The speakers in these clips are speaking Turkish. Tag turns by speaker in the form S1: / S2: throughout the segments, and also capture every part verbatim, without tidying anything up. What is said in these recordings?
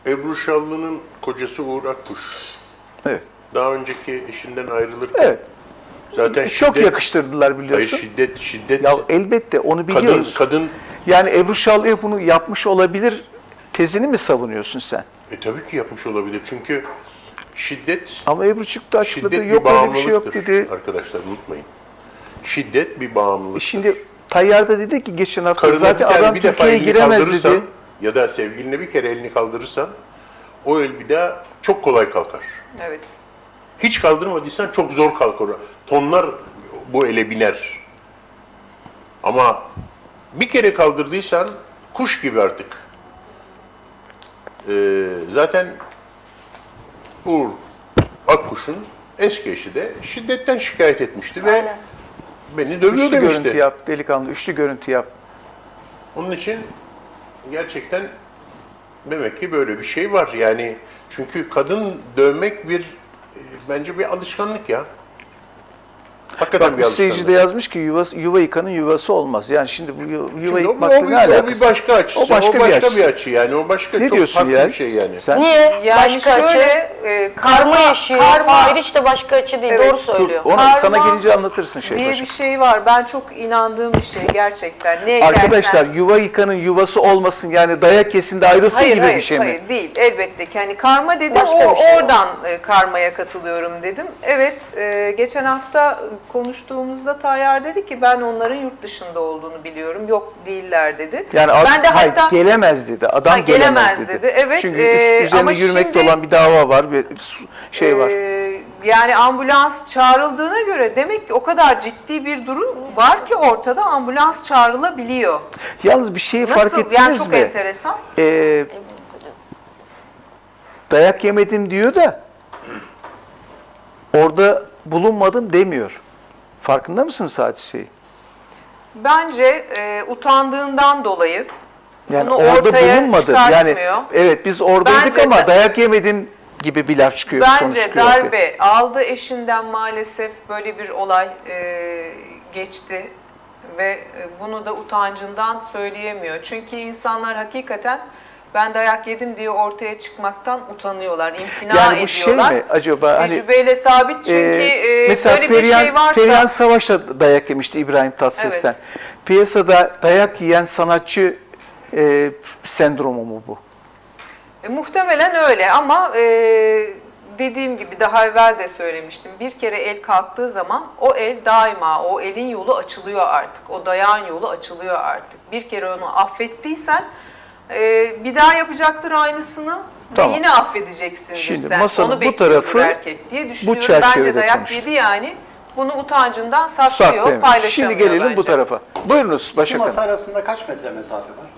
S1: Ebru Şallı'nın kocası Uğur Akkuş.
S2: Evet.
S1: Daha önceki eşinden ayrılırken
S2: Evet.
S1: zaten
S2: Çok
S1: şiddet,
S2: yakıştırdılar biliyorsun.
S1: hayır şiddet, şiddet.
S2: Ya elbette onu biliyoruz.
S1: Kadın, kadın,
S2: Yani Ebru Şallı'ya bunu yapmış olabilir tezini mi savunuyorsun sen?
S1: e tabii ki yapmış olabilir çünkü şiddet,
S2: Ama Ebru çıktı açıkladı.
S1: şiddet
S2: Yok
S1: bir
S2: öyle bir şey yok
S1: bağımlılıktır
S2: dedi.
S1: arkadaşlar, unutmayın. Şiddet bir
S2: E
S1: bağımlılık.
S2: şimdi Tayyar da dedi ki geçen hafta
S1: Karına
S2: zaten
S1: bir kere
S2: adam
S1: bir defa
S2: Türkiye'ye
S1: elini
S2: giremez
S1: kaldırırsan
S2: dedi.
S1: ya da sevgiline bir kere elini kaldırırsan o el bir daha çok kolay kalkar.
S3: Evet.
S1: Hiç kaldırmadıysan çok zor kalkar. Tonlar bu ele biner. Ama bir kere kaldırdıysan kuş gibi artık. Ee, zaten Uğur Akkuş'un eski eşi de şiddetten şikayet etmişti ve
S4: Aynen.
S1: beni dövüyor
S2: Üçlü
S1: demişti.
S2: görüntü yap delikanlı, üçlü görüntü yap.
S1: Onun için gerçekten demek ki böyle bir şey var. Yani çünkü kadın dövmek bir e, bence bir alışkanlık ya. Hakikaten
S2: Bak
S1: bir
S2: bu
S1: alışkanlık.
S2: seyirci de yazmış ki yuva, yuva yıkanın yuvası olmaz. Yani şimdi bu yu- yuva
S1: Şimdi o,
S2: yıkmakla
S1: o,
S2: ne
S1: bir, o
S2: alakası?
S1: bir başka açısı.
S2: O başka,
S1: o başka
S2: bir, açısı.
S1: bir açı yani. O başka
S2: Ne
S1: çok
S2: diyorsun
S1: farklı
S2: ya?
S1: bir şey yani.
S2: Sen
S4: Niye?
S3: Yani
S4: başka
S3: şöyle,
S4: açı.
S3: e,
S4: Karma yaşıyor.
S3: karma
S4: Hayır işte başka açı değil.
S3: Evet.
S4: Doğru söylüyor.
S2: onu
S3: Karma
S2: sana gelince anlatırsın şey
S3: diye
S2: başka.
S3: bir şey var. Ben çok inandığım bir şey gerçekten. Ne ekersen.
S2: Arkadaşlar yuva yıkanın yuvası olmasın yani dayak yesin de ayrılsın
S3: Hayır,
S2: gibi
S3: hayır,
S2: bir şey mi?
S3: hayır değil. Elbette ki. Hani karma dedim,
S4: Başka
S3: o
S4: bir şey o.
S3: oradan e, karmaya katılıyorum dedim. Evet, e, geçen hafta konuştuğumuzda Tayyar dedi ki ben onların yurt dışında olduğunu biliyorum. Yok değiller dedi.
S2: Yani
S3: ben de
S2: hayır,
S3: hatta
S2: gelemez dedi. Adam
S3: Ha,
S2: gelemez,
S3: gelemez
S2: dedi.
S3: dedi. Evet,
S2: Çünkü
S3: e,
S2: üst- üzerine
S3: ama
S2: yürümekte
S3: şimdi-
S2: olan bir dava var, bir su- şey var.
S3: Ee, yani ambulans çağrıldığına göre demek ki o kadar ciddi bir durum var ki ortada ambulans çağrılabiliyor.
S2: Yalnız bir şeyi fark
S3: Nasıl?
S2: ettiniz
S3: Yani çok
S2: mi?
S3: enteresan.
S2: Ee, dayak yemedim diyor da orada bulunmadım demiyor. Farkında mısınız hadiseyi?
S3: Bence e, utandığından dolayı
S2: Yani
S3: bunu
S2: orada
S3: ortaya
S2: bulunmadı. Yani
S3: çıkartmıyor.
S2: evet biz oradaydık
S3: Bence
S2: ama
S3: da-
S2: dayak yemedim gibi bir laf çıkıyor, bir sonuç
S3: Bence
S2: çıkıyor ortaya.
S3: darbe aldı eşinden maalesef böyle bir olay e, geçti ve e, bunu da utancından söyleyemiyor. Çünkü insanlar hakikaten ben dayak yedim diye ortaya çıkmaktan utanıyorlar, imtina
S2: Yani bu şey
S3: ediyorlar.
S2: mi acaba hani
S3: Tecrübeyle sabit çünkü
S2: Ee,
S3: e,
S2: mesela
S3: böyle
S2: Perihan,
S3: bir şey varsa
S2: Perihan Savaş da dayak yemişti İbrahim Tatlıses'ten.
S3: Evet.
S2: Piyasada dayak yiyen sanatçı e, sendromu mu bu?
S3: e, muhtemelen öyle ama e, dediğim gibi daha evvel de söylemiştim. Bir kere el kalktığı zaman o el daima o elin yolu açılıyor artık. O dayağın yolu açılıyor artık. Bir kere onu affettiysen e, bir daha yapacaktır aynısını
S2: Tamam.
S3: ve yine affedeceksindir
S2: Şimdi
S3: sen.
S2: masanın
S3: Onu
S2: bu
S3: bekliyordur
S2: tarafı
S3: erkek diye düşünüyorum.
S2: çerçevede
S3: Bence dayak
S2: konuştuk.
S3: yedi yani. Bunu utancından saklıyor,
S2: Saklayamıyor.
S3: paylaşamıyor
S2: Şimdi gelelim
S3: bence.
S2: bu tarafa. Buyurunuz
S5: İki
S2: Başak
S5: masa
S2: Hanım.
S5: arasında kaç metre mesafe var?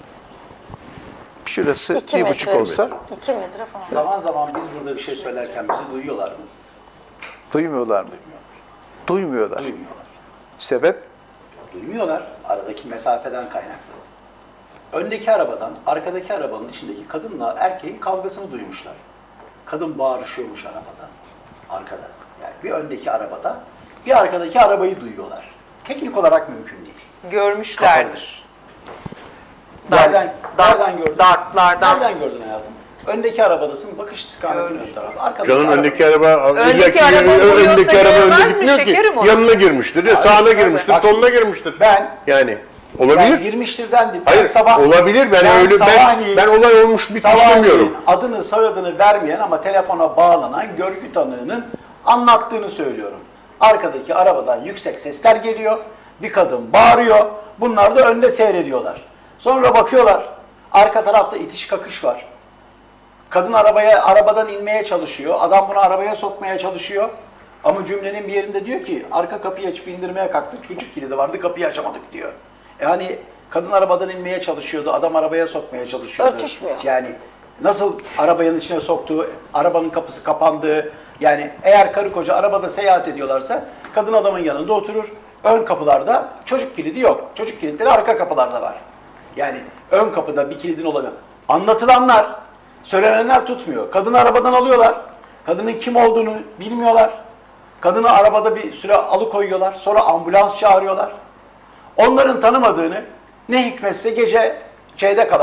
S2: Şurası
S4: İki
S2: bir
S4: metre.
S2: buçuk olsa
S4: İki metre falan.
S5: Zaman zaman biz burada bir şey söylerken bizi duyuyorlar mı?
S2: duymuyorlar mı? Duymuyorlar.
S5: Duymuyorlar.
S2: Sebep?
S5: Duymuyorlar. Aradaki mesafeden kaynaklı. Öndeki arabadan, arkadaki arabanın içindeki kadınla erkeğin kavgasını duymuşlar. Kadın bağırışıyormuş arabadan, arkada. Yani bir öndeki arabada, bir arkadaki arabayı duyuyorlar. Teknik olarak mümkün değil.
S3: Görmüşlerdir.
S5: Nereden, nereden gördün?
S3: Dartlardan.
S5: Nereden gördün hayatım? Öndeki arabadasın, bakış istikametin ön tarafı. Arkadaki
S1: Canın
S5: araba-
S1: öndeki araba,
S3: Öndeki
S1: illaki-
S3: araba vuruyorsa
S1: öndeki araba
S3: görmez
S1: önde
S3: mi
S1: gitmiyor ki.
S3: şekerim onu?
S1: Yanına girmiştir, ya
S5: Hayır,
S1: sağına
S5: evet.
S1: girmiştir,
S5: Bak,
S1: soluna girmiştir.
S5: Ben
S1: Yani
S5: Yani
S1: olabilir.
S5: girmiştir dendi. Ben
S1: Hayır,
S5: sabah,
S1: olabilir. Ben, öyle ben
S5: sabahleyin-
S1: ben olay olmuş bitmiş
S5: sabahleyin
S1: demiyorum.
S5: adını soyadını vermeyen ama telefona bağlanan görgü tanığının anlattığını söylüyorum. Arkadaki arabadan yüksek sesler geliyor. Bir kadın bağırıyor. Bunlar da önde seyrediyorlar. Sonra bakıyorlar. Arka tarafta itiş kakış var. Kadın arabaya arabadan inmeye çalışıyor. Adam bunu arabaya sokmaya çalışıyor. Ama cümlenin bir yerinde diyor ki arka kapıyı açıp indirmeye kalktı. Çocuk kilidi vardı, kapıyı açamadık diyor. Yani kadın arabadan inmeye çalışıyordu. Adam arabaya sokmaya çalışıyordu.
S4: Örtüşmüyor.
S5: Yani nasıl arabanın içine soktuğu, arabanın kapısı kapandığı. Yani eğer karı koca arabada seyahat ediyorlarsa kadın adamın yanında oturur. Ön kapılarda çocuk kilidi yok. Çocuk kilitleri arka kapılarda var. Yani ön kapıda bir kilidin olamıyor. Anlatılanlar, söylenenler tutmuyor. Kadını arabadan alıyorlar. Kadının kim olduğunu bilmiyorlar. Kadını arabada bir süre alıkoyuyorlar. Sonra ambulans çağırıyorlar. Onların tanımadığını ne hikmetse gece şeyde kalan,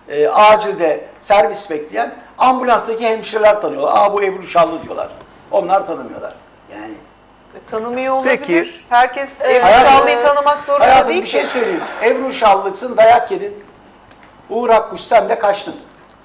S5: e, acilde servis bekleyen ambulanstaki hemşireler tanıyorlar. Aa bu Ebru Şallı diyorlar. Onlar tanımıyorlar. Yani
S3: E, Tanımıyor olabilir.
S2: Peki.
S3: Herkes
S4: Evet.
S3: Ebru
S5: Hayatım-
S3: Şallı'yı tanımak zorunda
S5: hayatım
S3: değil
S5: bir
S3: ki.
S5: şey söyleyeyim. Ebru Şallısın, dayak yedin. Uğur Akkuş sen de kaçtın.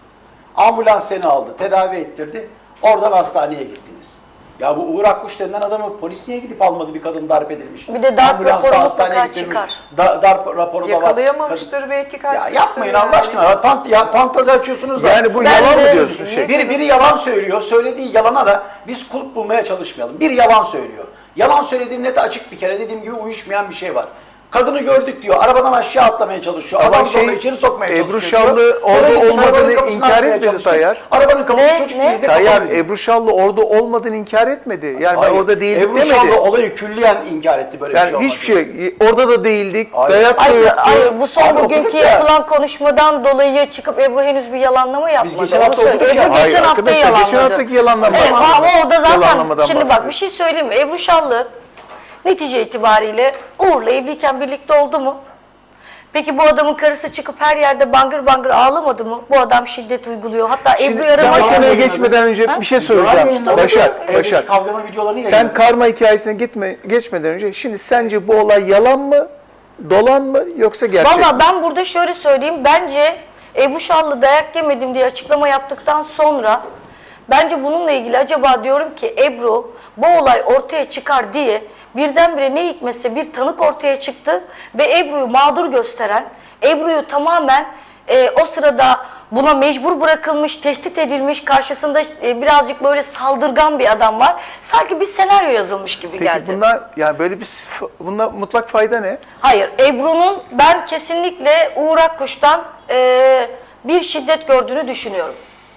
S5: Ambulans seni aldı, tedavi ettirdi. Oradan hastaneye gittiniz. Ya bu Uğur Akkuş denilen adamı polis niye gidip almadı, bir kadın darp edilmiş?
S4: Bir de darp
S5: Ambulansta
S4: raporu
S5: hastaneye
S4: mutlaka
S5: getirilmiş.
S4: çıkar.
S5: Da, darp raporu da var.
S3: Yakalayamamıştır belki kaç.
S5: Ya yapmayın Allah aşkına. Fant ya, fantazi açıyorsunuz da.
S2: Yani bu
S4: Ben
S2: yalan
S4: de-
S2: mı diyorsun şey?
S5: Biri, biri yalan söylüyor. Söylediği yalana da biz kulp bulmaya çalışmayalım. Biri yalan söylüyor. Yalan söylediği net açık bir kere. Dediğim gibi uyuşmayan bir şey var. Kadını gördük diyor. Arabadan aşağı atlamaya çalışıyor.
S2: Ama
S5: Adam
S2: şey,
S5: sonra içeri sokmaya
S2: Ebru
S5: çalışıyor.
S2: Şallı
S5: diyor. Sonra
S2: orada
S5: gittik,
S2: olmadığını
S5: arabanın kapısını
S2: inkar
S5: açmaya
S2: etmedi
S5: çalıştık.
S2: Tayyar.
S5: Arabanın kapısı
S4: Ne?
S5: çocuk
S4: Ne?
S5: kilidi
S2: Tayyar,
S5: kapalıydı.
S2: Ebru Şallı orada olmadığını inkar etmedi. Yani
S5: Hayır,
S2: ben orada değildik
S5: Ebru
S2: demedi.
S5: Şallı olayı külliyen inkar etti, böyle bir şey
S2: Yani
S5: olmaz.
S2: hiçbir şey, orada da değildik,
S5: Hayır.
S2: dayak da
S4: Hayır,
S2: yoktu.
S4: hayır, bu son
S5: Abi
S4: bugünkü
S5: okuduk ya.
S4: yapılan konuşmadan dolayı çıkıp Ebru henüz bir yalanlama yapmadı.
S5: geçen
S4: Onu
S5: hafta
S4: söyleyeyim.
S5: okuduk ya.
S4: Ebru
S2: Hayır
S4: geçen hafta
S2: arkadaşlar,
S4: yalanladı.
S2: geçen haftaki yalanlama.
S4: Evet, ama orada zaten
S2: Yalanlamadan
S4: şimdi bak
S2: bahsediyor.
S4: bir şey söyleyeyim mi? Ebru Şallı netice itibariyle Uğur'la evliyken birlikte oldu mu? Peki bu adamın karısı çıkıp her yerde bangır bangır ağlamadı mı? Bu adam şiddet uyguluyor. Hatta
S2: Şimdi
S4: Ebru'yu
S2: sen
S4: arama
S2: o
S5: Başar-
S2: konuya geçmeden önce bir şey söyleyeceğim.
S5: Yayınladı.
S2: Başar,
S5: Evdeki
S2: Başar.
S5: kavganın videolarını
S2: Sen
S5: yayınladı.
S2: karma hikayesine gitme, geçmeden önce şimdi sence bu olay yalan mı, dolan mı yoksa gerçek mi?
S4: Valla ben burada şöyle söyleyeyim. Bence Ebru Şallı dayak yemedim diye açıklama yaptıktan sonra bence bununla ilgili acaba diyorum ki Ebru bu olay ortaya çıkar diye birdenbire ne hikmetse bir tanık ortaya çıktı ve Ebru'yu mağdur gösteren, Ebru'yu tamamen e, o sırada buna mecbur bırakılmış, tehdit edilmiş, karşısında e, birazcık böyle saldırgan bir adam var. Sanki bir senaryo yazılmış gibi
S2: Peki
S4: geldi.
S2: bunlar yani böyle bir bunda mutlak fayda ne?
S4: Hayır, Ebru'nun ben kesinlikle Uğur Akkuş'tan e, bir şiddet gördüğünü düşünüyorum.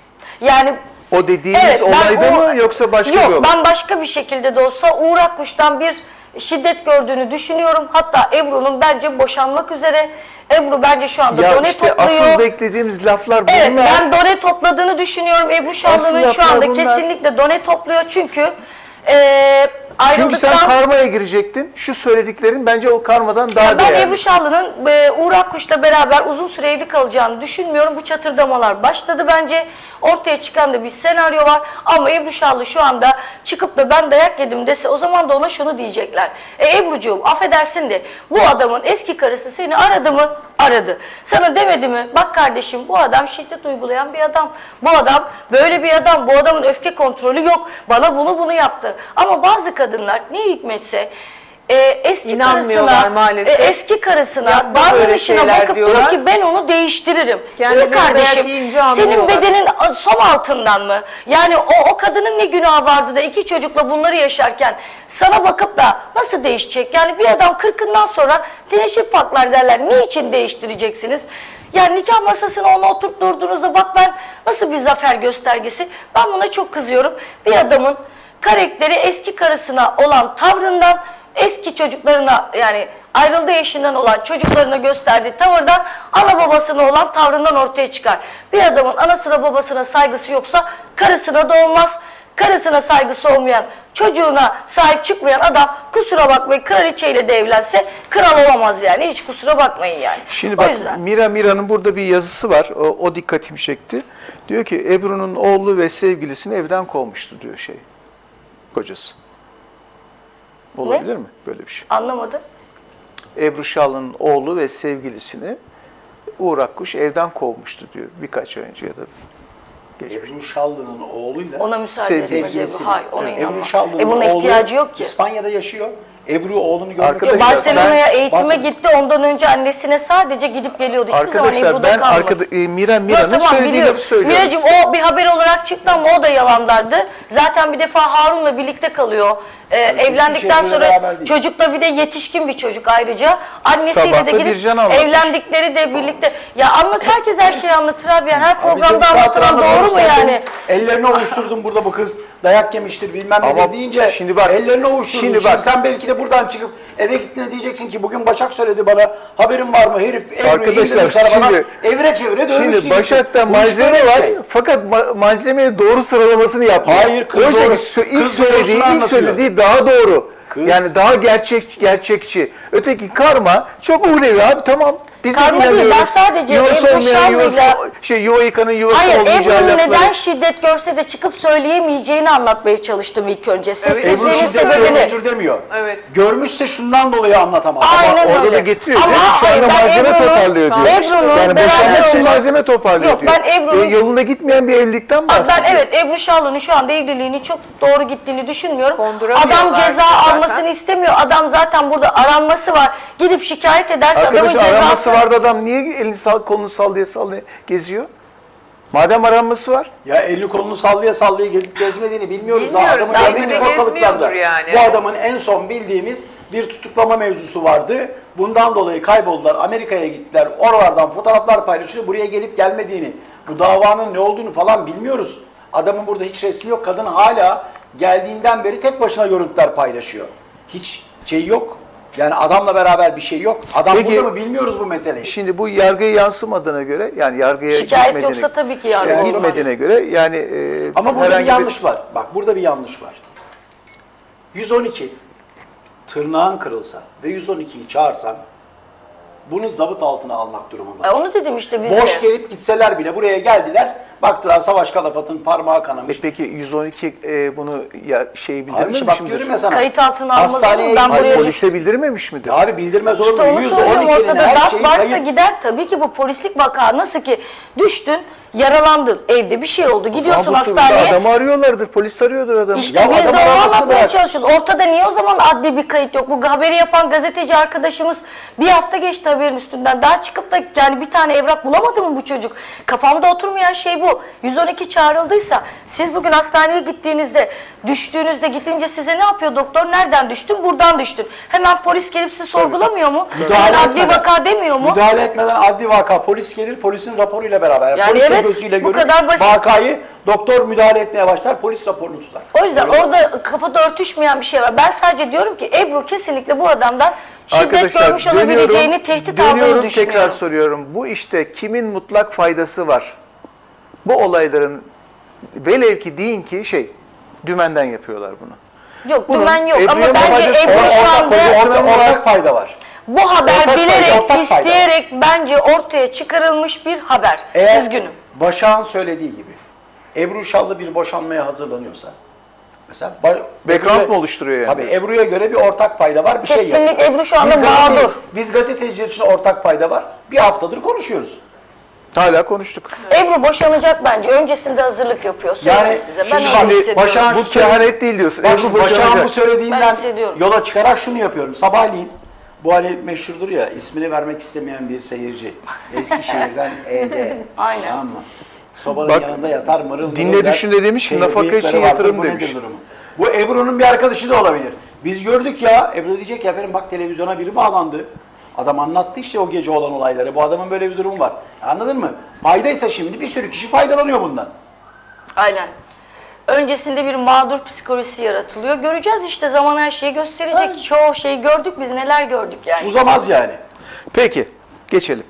S4: Yani
S2: O dediğiniz
S4: evet, ben
S2: olayda
S4: o-
S2: mı yoksa başka
S4: yok,
S2: bir olay?
S4: ben başka bir şekilde de olsa Uğur Akkuş'tan bir şiddet gördüğünü düşünüyorum. Hatta Ebru'nun bence boşanmak üzere. Ebru bence şu anda
S2: Ya
S4: done
S2: işte
S4: topluyor.
S2: asıl beklediğimiz laflar bunlar.
S4: Evet, ben done topladığını düşünüyorum. Ebru Şallı'nın
S2: Asıl
S4: şu anda
S2: laflar bunlar.
S4: kesinlikle done topluyor çünkü e,
S2: Çünkü sen
S4: ayrıldıktan...
S2: karmaya girecektin. Şu söylediklerin bence o karmadan daha
S4: Ya ben
S2: değerli.
S4: Ebru Şallı'nın e, Uğur Akkuş'la beraber uzun süre evli kalacağını düşünmüyorum. Bu çatırdamalar başladı bence. Ortaya çıkan da bir senaryo var. Ama Ebru Şallı şu anda çıkıp da ben dayak yedim dese o zaman da ona şunu diyecekler. E Ebru'cuğum affedersin de bu adamın eski karısı seni aradı mı? Aradı. Sana demedi mi? Bak kardeşim bu adam şiddet uygulayan bir adam. Bu adam böyle bir adam. Bu adamın öfke kontrolü yok. Bana bunu bunu yaptı. Ama bazı kadınlar ne hikmetse e, eski
S3: İnanmıyorlar
S4: karısına,
S3: maalesef.
S4: e, eski karısına
S3: Yapma böyle
S4: davranışına
S3: şeyler
S4: bakıp
S3: diyorlar.
S4: diyor ki ben onu değiştiririm.
S3: Kendileri
S4: Dur kardeşim
S3: dayak yiyince
S4: senin
S3: anlıyorlar.
S4: bedenin som altından mı? Yani o, o kadının ne günahı vardı da iki çocukla bunları yaşarken sana bakıp da nasıl değişecek? Yani bir adam kırkından sonra teneşir patlar derler. Niçin değiştireceksiniz? Yani nikah masasına onu oturtturduğunuzda bak ben nasıl bir zafer göstergesi. Ben buna çok kızıyorum. Bir adamın karakteri eski karısına olan tavrından, eski çocuklarına yani ayrıldığı eşinden olan çocuklarına gösterdiği tavırdan, ana babasına olan tavrından ortaya çıkar. Bir adamın anasına babasına saygısı yoksa karısına da olmaz. Karısına saygısı olmayan, çocuğuna sahip çıkmayan adam kusura bakmayın kraliçeyle de evlense kral olamaz yani. Hiç kusura bakmayın yani.
S2: Şimdi
S4: O
S2: bak
S4: yüzden.
S2: Mira Mira'nın burada bir yazısı var. O, o dikkatimi çekti. Diyor ki Ebru'nun oğlu ve sevgilisini evden kovmuştu diyor şey. Kocası. Olabilir mi böyle bir şey?
S4: Anlamadım.
S2: Ebru Şallı'nın oğlu ve sevgilisini Uğur Akkuş evden kovmuştu diyor birkaç ay önce ya da geçmiş.
S5: Ebru Şallı'nın oğluyla
S4: Ona müsaade
S2: Sevgilisi.
S4: edilmez Ebru.
S5: sevgilisi.
S4: Hayır ona
S5: Evet.
S4: inanmam.
S5: Ebru Şallı'nın
S4: Ebru'nun
S5: oğlu
S4: ihtiyacı yok ki.
S5: İspanya'da yaşıyor. Ebru oğlunu görmek
S2: Arkadaşlar,
S5: için-
S4: Barcelona'ya
S2: ben-
S4: eğitime
S5: Barcelona-
S4: gitti. Ondan önce annesine sadece gidip geliyordu. Hiçbir zaman
S2: Arkadaşlar
S4: Ebru'da
S2: ben
S4: kalmadı.
S2: arkada, e, Mira
S4: Yok,
S2: Mira'nın
S4: tamam,
S2: söylediği
S4: biliyorum.
S2: lafı söylüyorum.
S4: Miracığım o bir haber olarak çıktı ama o da yalanlardı. Zaten bir defa Harun'la birlikte kalıyor. Ee, evlendikten
S5: şeyle beraber
S4: sonra
S5: değil.
S4: çocukla bir de yetişkin bir çocuk ayrıca. Annesiyle
S2: Sabah
S4: de
S2: da
S4: gidip
S2: Bircan anlatmış.
S4: evlendikleri de birlikte. Ya anlat herkes her şeyi anlatır abi. Yani her
S5: Abi bize
S4: programda
S5: bir saat
S4: anlatılan
S5: randevu
S4: doğru mu
S5: vermişler,
S4: yani?
S5: Ellerini ovuşturdum burada bu kız dayak yemiştir bilmem
S2: Ama
S5: ne deyince
S2: şimdi bak,
S5: ellerini ovuşturdun.
S2: şimdi
S5: Şimdi,
S2: bak.
S5: sen belki de buradan çıkıp eve gittiğinde diyeceksin ki bugün Başak söyledi bana haberin var mı herif Ebru'yu
S2: Arkadaşlar,
S5: indirmiş arabana
S2: şimdi-
S5: evire çevire dövmüş
S2: Şimdi
S5: diyeceksin.
S2: Başak'ta
S5: Bu iş
S2: malzeme
S5: böyle bir
S2: var
S5: şey.
S2: fakat ma- malzemeye doğru sıralamasını yapmıyor.
S5: Hayır, kız
S2: Oysa ki
S5: doğru-
S2: sö- ilk
S5: kız
S2: söylediği,
S5: doğrusunu
S2: ilk
S5: anlatıyor.
S2: söylediği daha doğru.
S5: Kız-
S2: Yani daha gerçek gerçekçi. Öteki karma çok uhlevi abi, tamam. Biz de
S4: Karma değil,
S2: inanıyoruz.
S4: ben sadece
S2: Yuvası
S4: Ebru
S2: olmayan, yuvası,
S4: Şallı'yla-
S2: şey, yuva yıkanın yuvası
S4: Hayır,
S2: olmayacağı
S4: Ebru'nun
S2: lafları.
S4: neden şiddet görse de çıkıp söyleyemeyeceğini anlatmaya çalıştım ilk önce.
S5: Ebru
S4: Sessizliğinin
S5: şiddet
S4: sebebini.
S5: görmüştür demiyor.
S3: Evet.
S5: Görmüşse şundan dolayı anlatamaz.
S4: Aynen
S2: Orada
S4: öyle.
S2: da getiriyor
S4: Ama
S2: değil mi? Şu anda
S4: hayır, ben
S2: malzeme
S4: Ebru'nun-
S2: toparlıyor diyor.
S4: Ebru'nun
S2: Yani
S4: beraber
S2: boşanmak için
S4: olma-
S2: malzeme toparlıyor
S4: Yok,
S2: diyor.
S4: ben Ebru'nun-
S2: E, yolunda gitmeyen bir evlilikten
S4: Abi
S2: bahsediyor.
S4: ben evet Ebru Şallı'nın şu anda evliliğini çok doğru gittiğini düşünmüyorum.
S3: Konduramıyorlar
S4: Adam ceza
S3: zaten.
S4: almasını istemiyor. Adam zaten burada aranması var. Gidip şikayet ederse
S2: Arkadaş
S4: adamın
S2: aranması
S4: cezası...
S2: vardı, adam niye elini sal, kolunu sallaya sallaya geziyor? Madem aranması var.
S5: Ya elini kolunu sallaya sallaya gezip gezmediğini bilmiyoruz.
S3: Bilmiyoruz,
S5: Daha
S3: belki
S5: adamın
S3: de
S5: evliliği ortalıklarda.
S3: gezmiyordur yani.
S5: Bu adamın en son bildiğimiz bir tutuklama mevzusu vardı. Bundan dolayı kayboldular. Amerika'ya gittiler. Oralardan fotoğraflar paylaşıyor. Buraya gelip gelmediğini, bu davanın ne olduğunu falan bilmiyoruz. Adamın burada hiç resmi yok. Kadın hala geldiğinden beri tek başına görüntüler paylaşıyor. Hiç şey yok. Yani adamla beraber bir şey yok. Adam
S2: Peki-
S5: burada mı bilmiyoruz bu meseleyi.
S2: Şimdi bu yargıya yansımadığına göre, yani yargıya
S4: Şikayet
S2: gitmediğine,
S4: yoksa tabii ki yargı
S2: şikayet
S4: olmaz.
S2: gitmediğine göre yani e,
S5: Ama burada bir
S2: herhangi
S5: yanlış var. Bak burada bir yanlış var. yüz on iki tırnağın kırılsa ve yüz on ikiyi çağırsan bunu zabıt altına almak durumunda.
S4: E, onu dedim işte biz
S5: Boş
S4: de.
S5: gelip gitseler bile buraya geldiler. Baktılar Savaş Kalafat'ın parmağı kanamış.
S2: E peki yüz on iki e, bunu ya şeyi
S5: Abi
S2: bildirmemiş
S5: işte bak
S2: midir?
S5: diyorum ya sana.
S4: Kayıt altına almaz
S5: Hastaneye
S4: olur, ben
S5: gittiler.
S4: buraya-
S2: Polise bildirmemiş midir?
S5: Abi bildirmez olur
S4: İşte
S5: mu?
S4: onu
S5: yüz on
S4: söylüyorum,
S5: ikinin
S4: ortada
S5: her
S4: darp
S5: şeyi
S4: varsa
S5: kayıp.
S4: gider tabii ki. Bu polislik vaka, nasıl ki düştün, yaralandın, evde bir şey oldu, gidiyorsun
S2: Ama bu sırada
S4: hastaneye.
S2: adamı arıyorlardır, polis arıyordur adamı.
S4: İşte
S5: Ya
S4: biz de
S5: adam
S4: onu
S5: aramasını
S4: anlatmaya
S5: bırak.
S4: çalışıyoruz. Ortada niye o zaman adli bir kayıt yok? Bu haberi yapan gazeteci arkadaşımız bir hafta geçti haberin üstünden. Daha çıkıp da yani bir tane evrak bulamadı mı bu çocuk? Kafamda oturmayan şey bu. yüz on iki çağrıldıysa siz bugün hastaneye gittiğinizde, düştüğünüzde gidince size ne yapıyor doktor? Nereden düştün? Buradan düştün. Hemen polis gelip sizi sorgulamıyor mu?
S5: Müdahale
S4: Hemen adli
S5: etmeden.
S4: vaka demiyor mu?
S5: Müdahale etmeden adli vaka, polis gelir, polisin raporuyla beraber.
S4: Yani
S5: polis de
S4: evet,
S5: gözüyle
S4: bu
S5: görür,
S4: kadar basit.
S5: vakayı, doktor müdahale etmeye başlar, polis raporunu tutar.
S4: O yüzden orada kafada örtüşmeyen bir şey var. Ben sadece diyorum ki Ebru kesinlikle bu adamdan şiddet görmüş olabileceğini, tehdit
S2: dönüyorum,
S4: aldığını düşünüyorum.
S2: tekrar soruyorum. Bu işte kimin mutlak faydası var? Bu olayların velev ki deyin ki şey, dümenden yapıyorlar bunu.
S4: Yok,
S2: Bunun
S4: dümen yok ama
S2: Ebru'ya
S4: bence
S2: faydası
S4: Ebru
S2: var,
S4: şu
S2: ortak
S4: anda
S2: faydası
S5: Orada ortak fayda var.
S4: bu haber
S5: ortak fayda,
S4: bilerek,
S5: ortak fayda.
S4: isteyerek bence ortaya çıkarılmış bir haber.
S5: Eğer
S4: Üzgünüm.
S5: Başak'ın söylediği gibi Ebru Şallı bir boşanmaya hazırlanıyorsa mesela ba-
S2: Background
S5: Ebru'ya-
S2: mu oluşturuyor yani?
S5: Tabii Ebru'ya göre bir ortak payda var, bir şey
S4: Kesinlikle
S5: yapıyor.
S4: Ebru şu anda
S5: Biz gazete-
S4: mağdur.
S5: Biz gazeteciler için ortak payda var. Bir haftadır konuşuyoruz.
S2: Hala konuştuk.
S4: Ebru boşanacak bence. Öncesinde hazırlık yapıyor. Söyleyeyim
S5: Yani
S4: size. Ben
S5: şimdi
S4: öyle
S5: şimdi
S4: hissediyorum.
S5: Başak'ın
S2: Bu
S5: şu söyle-
S2: kehanet değil diyorsun.
S5: Bak
S2: Ebru
S5: şimdi Başak'ın
S2: boşanacak.
S5: bu söylediğinden
S4: Ben hissediyorum.
S5: yola çıkarak şunu yapıyorum. Sabahleyin bu hani meşhurdur ya, ismini vermek istemeyen bir seyirci. Eskişehir'den E D.
S4: Aynen.
S5: Tamam mı? Sobanın
S2: Bak,
S5: yanında yatar mırıl mırıl
S2: dinle
S5: der.
S2: düşün de demiş ki,
S5: Şey,
S2: nafaka
S5: bıyıkları
S2: için
S5: vardır,
S2: yatırım
S5: bu nedir
S2: demiş.
S5: durumu? Bu Ebru'nun bir arkadaşı da olabilir. Biz gördük ya, Ebru diyecek ya efendim bak televizyona biri bağlandı. Adam anlattı işte o gece olan olayları. Bu adamın böyle bir durumu var. Anladın mı? Faydaysa şimdi bir sürü kişi faydalanıyor bundan.
S4: Aynen. Öncesinde bir mağdur psikolojisi yaratılıyor. Göreceğiz işte, zaman her şeyi gösterecek. Çoğu şeyi gördük biz, neler gördük yani.
S5: Uzamaz yani.
S2: Peki, geçelim.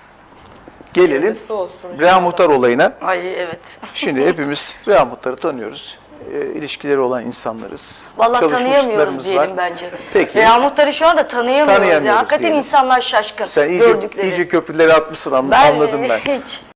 S2: Gelelim
S3: Hayırlısı olsun
S2: Reha Muhtar olayına.
S4: Ay evet.
S2: Şimdi hepimiz Reha Muhtar'ı tanıyoruz. E, ilişkileri olan insanlarız.
S4: Vallahi
S2: Çalışmışlıklarımız
S4: tanıyamıyoruz diyelim
S2: var.
S4: bence.
S2: Peki.
S4: Reha Muhtar'ı şu anda tanıyamıyoruz.
S2: Tanıyamıyoruz
S4: ya. Hakikaten
S2: diyelim.
S4: insanlar şaşkın
S2: Sen iyice,
S4: gördükleri.
S2: iyice köprüleri atmışsın, an-
S4: ben,
S2: anladım ben.
S4: Hiç.